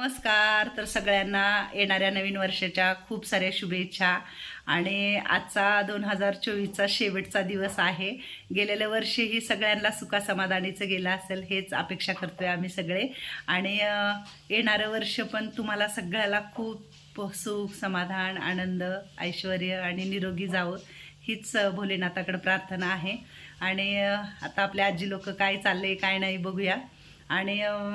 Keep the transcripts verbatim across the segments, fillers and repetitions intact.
नमस्कार. तर सगळ्यांना येणाऱ्या नवीन वर्षाच्या खूप साऱ्या शुभेच्छा. आणि आजचा दोन हजार चोवीसचा शेवटचा दिवस आहे. गेलेल्या वर्षीही सगळ्यांना सुखासमाधानीचं गेलं असेल हेच अपेक्षा करतोय आम्ही सगळे. आणि येणारं वर्ष पण तुम्हाला सगळ्याला खूप सुख, समाधान, आनंद, ऐश्वर आणि निरोगी जावं हीच भोलेनाथाकडे प्रार्थना आहे. आणि आता आपल्या आजी लोक काय चालले काय नाही बघूया. आणि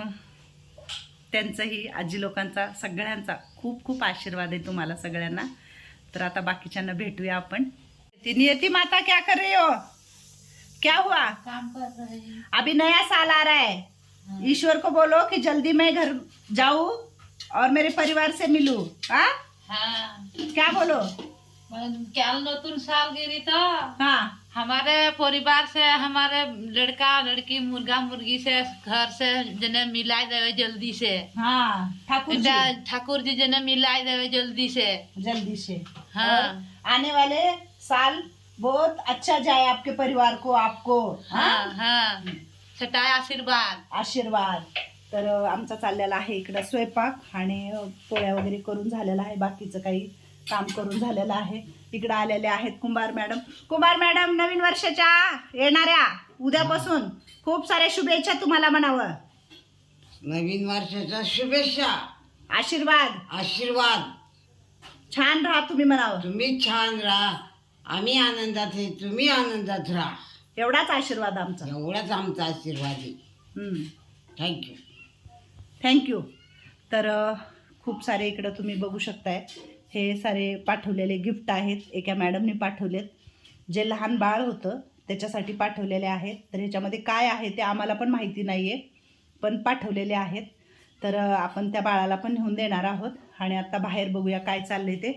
त्यांचंही आजी लोकांचा सगळ्यांचा खूप खूप आशीर्वाद आहे तुम्हाला सगळ्यांना. तर आता बाकीच्यांना भेटूया आपण. ती नियति माता क्या कर रही हो? क्या हुआ? काम कर रही. अभी नया साल आ रहा है. ईश्वर को बोलो कि जल्दी मैं घर जाऊं और मेरे परिवार से मिलूं. हाँ हाँ, क्या बोलो? क्या नतून साल गिरी तो हाँ हमारे परिवार से, हमारे लड़का लड़की मुर्गा मुर्गी से घर से जने मिलाए देवे जल्दी से. हाँ ठाकुर जी ठाकुर जी जने मिलाए देवे जल्दी से. जल्दी से. हाँ. और आने वाले साल बहुत अच्छा जाए आपके परिवार को, आपको. हाँ हाँ, छटाय आशीर्वाद. आशीर्वाद. तर आमचा चाललेला आहे इकडं स्वयंपाक आणि पोळ्या वगैरे करून झालेला आहे. बाकीचं काही काम करून झालेलं आहे. इकडं आलेले आहेत कुंभार मॅडम. कुंभार मॅडम, नवीन वर्षाच्या येणाऱ्या उद्यापासून खूप साऱ्या शुभेच्छा तुम्हाला म्हणावं. नवीन वर्षाच्या शुभेच्छा, आशीर्वाद. आशीर्वाद. छान राहा तुम्ही म्हणावं. तुम्ही छान राहा, आम्ही आनंदात आहे, तुम्ही आनंदात राहा, एवढाच आशीर्वाद आमचा. एवढाच आमचा आशीर्वाद आहे. थँक्यू. थँक्यू. तर खूप सारे इकडं तुम्ही बघू शकताय. हे सारे पाठवलेले गिफ्ट आहेत. एका मॅडमने पाठवलेत. जे लहान बाळ होतं त्याच्यासाठी पाठवलेले आहेत. तर ह्याच्यामध्ये काय आहे ते आम्हाला पण माहिती नाही आहे, पण पाठवलेले आहेत. तर आपण त्या बाळाला पण नेऊन देणार आहोत. आणि आता बाहेर बघूया काय चाललं आहे ते.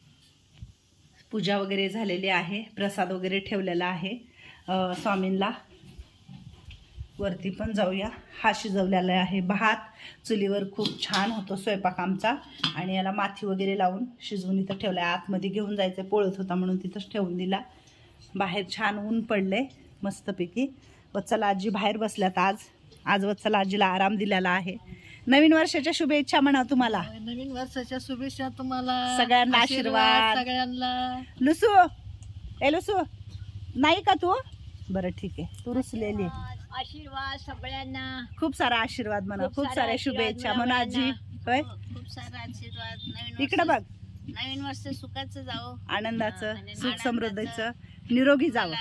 पूजा वगैरे झालेली आहे, प्रसाद वगैरे ठेवलेला आहे स्वामींना. वरती पण जाऊया. हा शिजवलेला आहे भात. चुलीवर खूप छान होतो स्वयंपाक आमचा. आणि याला माथी वगैरे लावून शिजवून इथं ठेवला आहे. आतमध्ये घेऊन जायचं पोळत होता म्हणून तिथंच ठेवून दिला. बाहेर छान ऊन पडले मस्तपैकी. वत्सला आजी बाहेर बसल्यात आज. आज वत्सला आजीला आराम दिलेला आहे. नवीन वर्षाच्या शुभेच्छा म्हणा तुम्हाला. नवीन वर्षाच्या शुभेच्छा तुम्हाला सगळ्यांना आशीर्वाद. सगळ्यांना. लुसू, ए लुसू नाही का तू? बरं ठीक आहे, तू रुसलेली. आशीर्वाद सगळ्यांना. खूप सारा आशीर्वाद म्हणा, खूप खूप सारा साऱ्या आशीर्वाद शुभेच्छा म्हणा आजी. होय, खूप सारा आशीर्वाद. नवीन इकडं बघ. नवीन वर्ष सुखाचं जावं, आनंदाचं, आणि सुख समृद्धीचं, निरोगी जावं.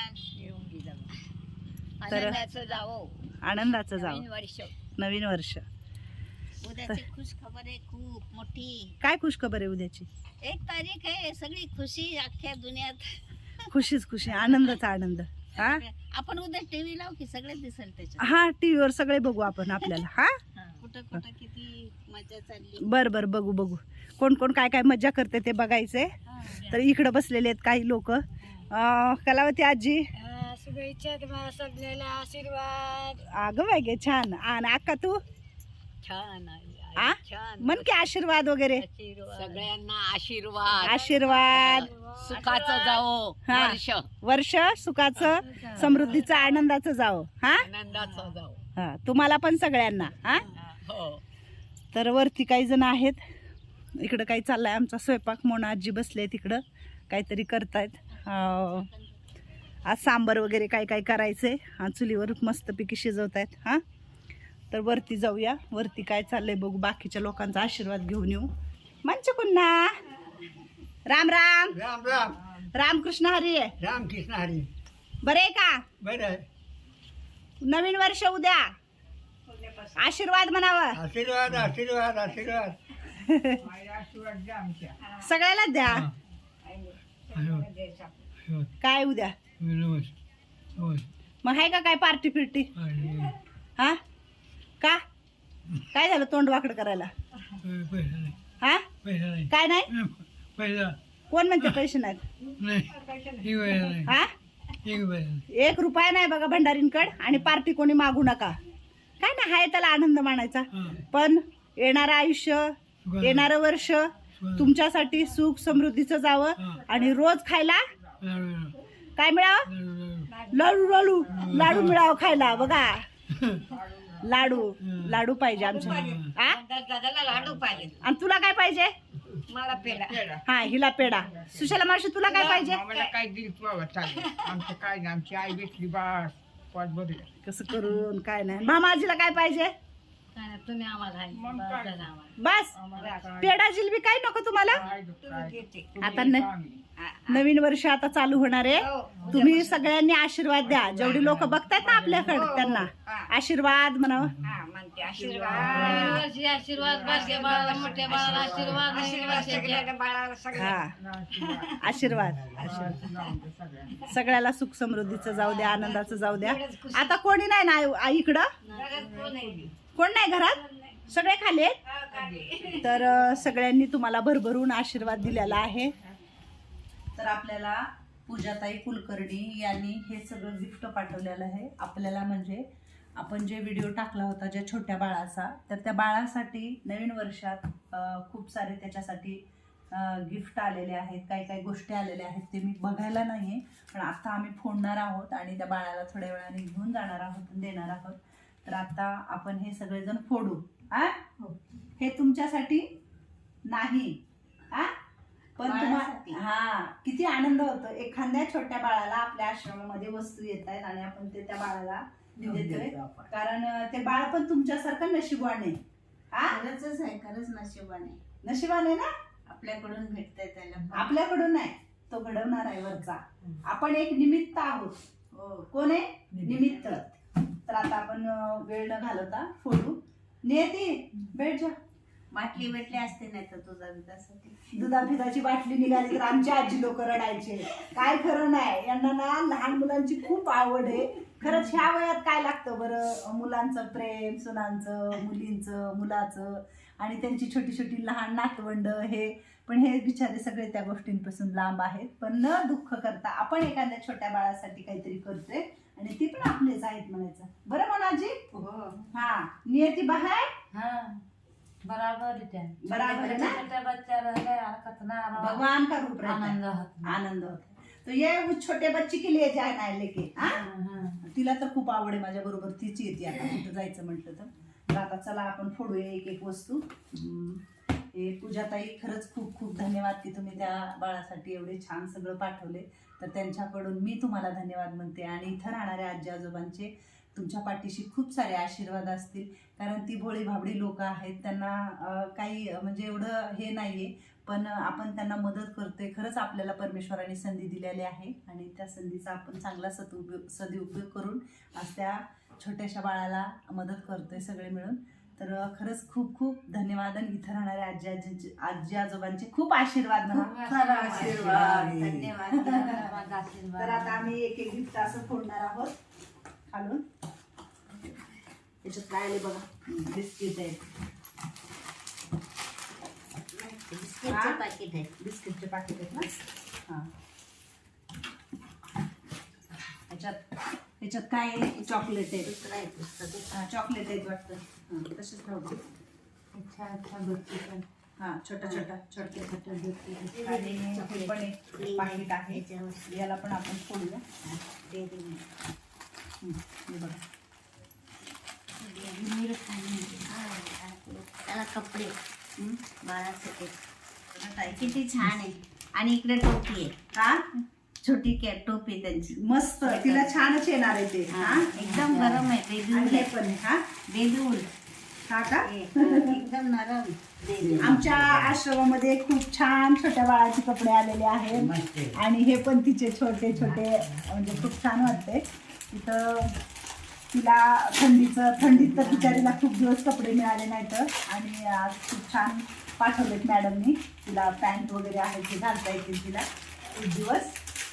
तर आनंदाचं जावं. आनंदाचं जावं नवीन वर्ष. नवीन वर्ष. उद्याची खुश खबर आहे खूप मोठी. काय खुश खबर आहे उद्याची? एक तारीख आहे. सगळी खुशी अख्ख्या दुनियात. खुशीच खुशी, आनंदाचा आनंद. हा आपण उद्या टीव्ही लावू की सगळे दिसेल त्याच्यात. हा टीव्हीवर सगळे बघू आपण आपल्याला. हा कुठं कुठं किती मजा चालली. बर बर बघू बघू. कोण कोण काय काय मजा करते ते बघायचे. तर इकडं बसलेले आहेत काही लोक. कलावती आजी, शुभेच्छा तुम्हाला सगळ्याला. आशीर्वाद. अगं बाय गे छान. आणि अक्का तू छान आ छान. मन की आशीर्वाद वगैरे. सगळ्यांना आशीर्वाद. आशीर्वाद. सुखाचं जावो हा. वर्ष. वर्ष सुखाचं, समृद्धीचं, आनंदाचं जावं. हा आनंदाचं जावो. हा तुम्हाला पण सगळ्यांना. हा हो. तर वरती काही जण आहेत. इकडं काही चाललंय आमचा स्वयंपाक. मोना आजी बसले तिकडं काहीतरी करतायत. आज सांबर वगैरे काय काय करायचंय. हा चुलीवर मस्तपैकी शिजवतायत. हा तर वरती जाऊया. वरती काय चाललंय बघू. बाकीच्या लोकांचा आशीर्वाद घेऊन येऊ. मंच पुन्हा राम राम. राम राम. रामकृष्ण हरी. रामकृष्ण हरी. बरे आहे का? बरं. नवीन वर्ष उद्या. आशीर्वाद म्हणावं. आशीर्वाद, आशीर्वाद, आशीर्वाद. सगळ्याला द्या. काय उद्या मग आहे का काय पार्टी फिरटी? हा का काय झालं तोंड वाकड करायला? हा काय नाही. कोण म्हणते पैसे नाहीत? हा एक रुपया नाही बघा भंडारींकड. आणि पार्टी कोणी मागू नका. काय ना हाय त्याला आनंद मानायचा. पण येणारं आयुष्य, येणारं वर्ष तुमच्यासाठी सुख समृद्धीचं जावं. आणि रोज खायला काय मिळावं? लाडू लाडू लाडू मिळावं खायला. बघा लाडू लाडू पाहिजे आमच्या आ? दादाला लाडू पाहिजे. आणि तुला काय पाहिजे? मला पेढा. हा हिला पेढा. सुशाला मावशी तुला काय पाहिजे? आम्हाला काय दिल बाबा चालेल. आमचं काय नाही, आमची आई भेटली बास पाच भरले. कसं करून काय नाही. मामाजीला काय पाहिजे? काय नाही, तुम्ही आम्हाला आहे. मग बस काय? झालं आम्हाला. बस आम्हाला काय- पेढा जिलबी काय नको तुम्हाला? काय दु- काय? देते. आता न- नवीन वर्ष आता चालू होणार आहे. हो. तुम्ही सगळ्यांनी आशीर्वाद द्या. जेवढी लोक बघतायत ना आपल्याकडे त्यांना आशीर्वाद म्हणावं. हा म्हणते आशीर्वाद. नवीन वर्षी आशीर्वाद, बारक्या बाळाला मोठ्या बाळाला आशीर्वाद, नवीन आशीर्वाद वर्षाचे. सगळ्या बाळाला सगळ्या. हा आशीर्वाद आशीर्वाद लावून दे सगळ्यांना. सगळ्याला सुख समृद्धीचं जाऊ द्या, आनंदाचं जाऊ द्या. आता कोणी नाही ना आई- आई इकडं कोण नाही घरात, सगळे खाली आहेत. तर अं, सगळ्यांनी तुम्हाला भरभरून आशीर्वाद दिलेला आहे. तर आपल्याला पूजाताई कुलकर्णी यांनी हे सगळं गिफ्ट पाठवलेलं आहे आपल्याला. म्हणजे आपण जे व्हिडिओ टाकला होता ज्या छोट्या बाळाचा, तर त्या बाळासाठी नवीन वर्षात अं, खूप सारे त्याच्यासाठी गिफ्ट आलेले आहेत, काही काही गोष्टी आलेल्या आहेत. ते मी बघायला नाही आहे, पण आता आम्ही फोडणार आहोत आणि त्या बाळाला थोड्या वेळाने घेऊन जाणार आहोत आणि देणार आहोत. तर आता आपण हे सगळेजण फोडू. आ हे तुमच्यासाठी नाही आ पण तुम्हाला हा किती आनंद होतो. एखाद्या छोट्या बाळाला आपल्या आश्रमामध्ये वस्तू येत आहेत आणि आपण ते त्या बाळाला देतोय. कारण ते बाळ पण तुमच्यासारखं नशिबाने आहे. आ खरंच आहे, खरंच नशिबाने नशिबाने ना आपल्याकडून भेटतंय त्याला. आपल्याकडून नाही, तो घडवणार आहे वरचा. आपण एक निमित्त आहोत. हो. कोण आहे? निमित्त. तर आता आपण अं, वेळ न घालवता फोडू. नियती भेट जा. बाटली भेटली असते नाही तर तुझा विकासाठी. दुधा पिठाची बाटली निघाली तर आमची आजी लोक रडायचे. काय खरं नाही. यांना ना लहान मुलांची खूप आवड आहे. खरंच ह्या वयात काय लागतं बरं? मुलांचं प्रेम, सुनांचं, मुलींचं, मुलाचं आणि त्यांची छोटी छोटी लहान नातवंड हे. पण हे बिचारे सगळे त्या गोष्टींपासून लांब आहेत. पण न दुःख करता आपण एखाद्या छोट्या बाळासाठी काहीतरी करतोय आणि ती पण आपलेच आहेत म्हणायचं. बरं म्हणाजी? हा नियती बाहेर हा बराबर आहे त्या. बराबर आहे ना? छोट्या बच्चाला लय हरकत नाही. भगवान का रूप रहता है. आनंद होता. आनंद होता है. तो ये उस छोटे बच्चे के लिए जाए ना लेके. हाँ? हा. तिला तर खूप आवड आहे माझ्या बरोबर. तीच येते आता कुठं जायचं म्हटलं तर. तर आता चला आपण फोडूया एक एक वस्तू. हम्म. हे पूजाताई खरंच खूप खूप धन्यवाद की तुम्ही त्या बाळासाठी एवढे छान सगळं पाठवले. तर त्यांच्याकडून मी तुम्हाला धन्यवाद म्हणते. आणि इथं राहणाऱ्या आजी आजोबांचे तुमच्या पाठीशी खूप सारे आशीर्वाद असतील. कारण ती भोळी भाबडी लोक आहेत, त्यांना अं, काही म्हणजे एवढं हे नाही आहे, पण आपण त्यांना मदत करतोय. खरंच आपल्याला परमेश्वराने संधी दिलेली आहे आणि त्या संधीचा आपण चांगला सदुपयोग सदुपयोग करून आज त्या छोट्याशा बाळाला मदत करतोय सगळे मिळून. तर खरंच खूप खूप धन्यवाद. आणि इथं राहणाऱ्या आजी आजी आजी आजोबांचे खूप आशीर्वाद म्हणा. सारा आशीर्वाद. धन्यवाद. धन्यवाद, आशीर्वाद. तर आता आम्ही एक एक गिफ्ट असं फोडणार आहोत खालून. त्याच्यात काय आले बघा. बिस्किट आहे, बिस्किटचे पाकिट आहे. बिस्किटचे पाकिट आहेत ना. हां ह्याच्यात ह्याच्यात काय आहे? चॉकलेट आहे. दुसरं आहे पुस्तक. हां चॉकलेट आहेत वाटतं. हां तसेच राहू दे. अच्छा अच्छा बिस्किट. हां छोटा छोटा छोटे छोटे बिस्किट. आणि हे चॉकलेट. पण एक पाकिट आहे. त्याच्यावर याला पण आपण फोडूया. डेअरी हं, हे बघा. मिल्क आणि त्याला कपडे हं? बाळासाठी. किती छान आहे. आणि इकडे टोपी आहे. का छोटी कॅट टोपी त्यांची. मस्त. तिला छानच येणार आहे ते. हा, हां एकदम गरम आहे. बेबी आणि उल हे आहे. पण आहे. हां बेबी उल. हा का? हे, हा, एकदम नरम बेबी उल. आमच्या आश्रमामध्ये खूप छान छोट्या बाळाचे कपडे आलेले आहेत आणि हे पण तिचे छोटे छोटे म्हणजे खूप छान वाटते. तिथं तिला थंडीचं थंडीत तर बिचारीला खूप दिवस कपडे मिळाले नाहीत आणि आज खूप छान पाठवलेत मॅडमनी. तिला पॅन्ट वगैरे आहेत ते घालता येतील तिला एक दिवस.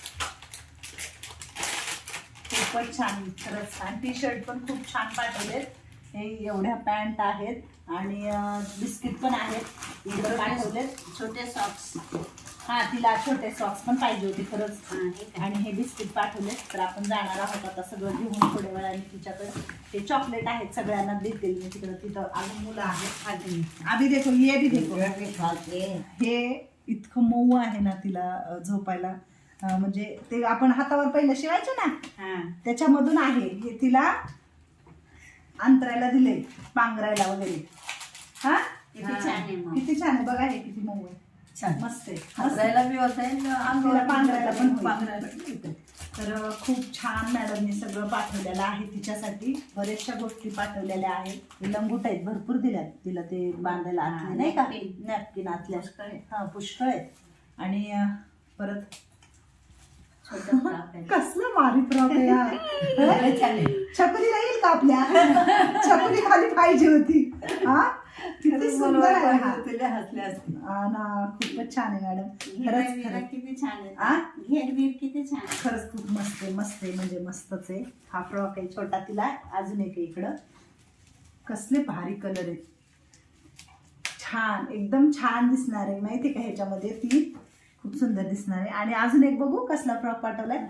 खूपच छान खरंच. आणि टी शर्ट पण खूप छान पाठवलेत. हे एवढ्या पॅन्ट आहेत आणि बिस्किट पण आहेत इकडे पाठवलेत. छोटे सॉक्स. हा तिला छोटे सॉक्स पण पाहिजे होते खरंच. हा, हे काय? आणि हे बिस्किट पाठवलेत. तर आपण जाणार आहोत आता सगळं घेऊन थोड्या वेळाने तिच्याकडे. ते चॉकलेट आहेत सगळ्यांना देतील मी तिकडं. तिथं अजून मुलं आहेत. खाली. आधी देखो ये भी देखो. खाते. हे इतकं मऊ आहे ना तिला अं, झोपायला. अं, म्हणजे ते आपण हातावर पहिलं शिवायचं ना हा. त्याच्यामधून आहे हे. तिला अंतरायला दिले पांघरायला वगैरे. हा किती छान आहे मग. किती छान आहे बघा, हे किती मऊ आहे, छान. मस्त आहे. हसरायला बी होत आहे अंगाला पांघरायला पण होईल. पांघरायला पण होतं. तर खूप छान मॅडमनी सगळं पाठवलेलं आहे तिच्यासाठी. बऱ्याचशा गोष्टी पाठवलेल्या आहेत. लंगूट आहेत भरपूर दिल्यात तिला ते बांधायला आतले नाही का, napkin. नॅपकिन आतल्या हा पुष्कळ आहेत. आणि अं, परत छोटं फ्रॉक आहे. कसलं भारी फ्रॉक आहे हा. छकुलीला येईल का आपल्या? छकुली खाली पाहिजे होती. हा किती सुंदर आहे हा. हसले असते. हा ना, खूपच छान आहे मॅडम. घेर खरंच बीर खरंच किती छान आ? आहे. घेर बीर किती छान आहे. खरंच खूप मस्त आहे, मस्त आहे म्हणजे मस्तच आहे. हा फ्रॉक आहे छोटा तिला. अजून एक आहे इकडं. कसले भारी कलर आहेत, छान एकदम छान दिसणार आहे माहिती का ह्याच्यामध्ये. ती खूप सुंदर दिसणार आहे. आणि अजून एक बघू कसला फ्रॉक पाठवलाय.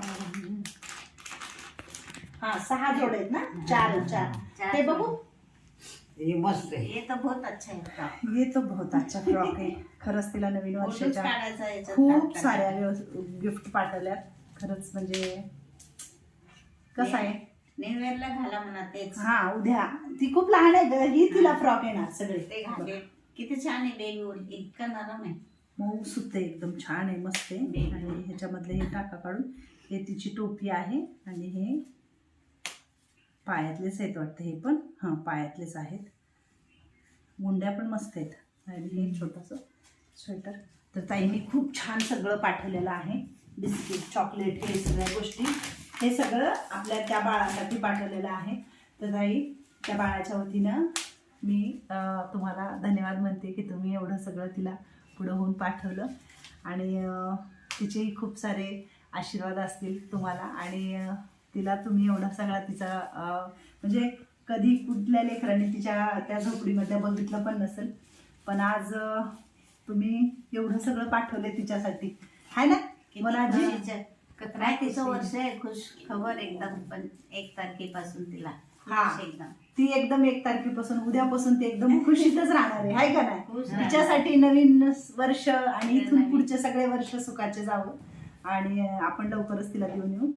हा सहा जोड आहेत ना, चार चार. चार ते बघू. हे मस्त आहे. ये तो बहुत अच्छा है फ्रॉक. ये तो बहुत अच्छा फ्रॉक आहे. खरंच तिला नवीन फोटोच वर्षाच्या काढायचा याच्यात खूप टाकता. साऱ्या गिफ्ट पाठवल्यात. खरंच म्हणजे कसं आहे. न्यू इयरला घाला म्हणा तेच. हा उद्या ती खूप लहान आहे ग, ही तिला फ्रॉक येणार सगळे. ते घाले किती छान आहे बेबी, इतका नरम आहे. मऊ सुत आहे, एकदम छान आहे, मस्त आहे. आणि ह्याच्यामधले हे टाका काढून हे तिची टोपी आहे. आणि हे पायातलेच आहेत वाटतं, हे पण हां पायातलेच आहेत. मुंड्या पण मस्त आहेत. आणि हे छोटंसं स्वेटर. तर ताईंनी खूप छान सगळं पाठवलेलं आहे. बिस्किट, चॉकलेट, हे सगळ्या गोष्टी, हे सगळं आपल्या त्या बाळासाठी पाठवलेलं आहे. तर ताई त्या बाळाच्या वतीनं मी अं, तुम्हाला धन्यवाद म्हणते की तुम्ही एवढं सगळं तिला पुढं होऊन पाठवलं. आणि अं, तिचेही खूप सारे आशीर्वाद असतील तुम्हाला. आणि अं, तिला तुम्ही एवढा सगळा तिचा अं, म्हणजे कधी कुठल्या लेकरांनी तिच्या त्या झोपडीमध्ये बघितलं पण नसेल. पण आज अं, तुम्ही एवढं सगळं पाठवले तिच्यासाठी, आहे ना मला आजी. खुशीचं- नाही तिचं वर्ष आहे, खुश खबर एकदम. पण एक तारखेपासून तिला हा. खुश एकदम. ती एकदम एक तारखेपासून उद्यापासून ती एकदम खुशीतच राहणार आहे, आहे का नाही. खुश तिच्यासाठी नवीन वर्ष आणि इथून पुढचे सगळे वर्ष सुखाचे जावं. आणि अं, आपण लवकरच तिला घेऊन येऊ.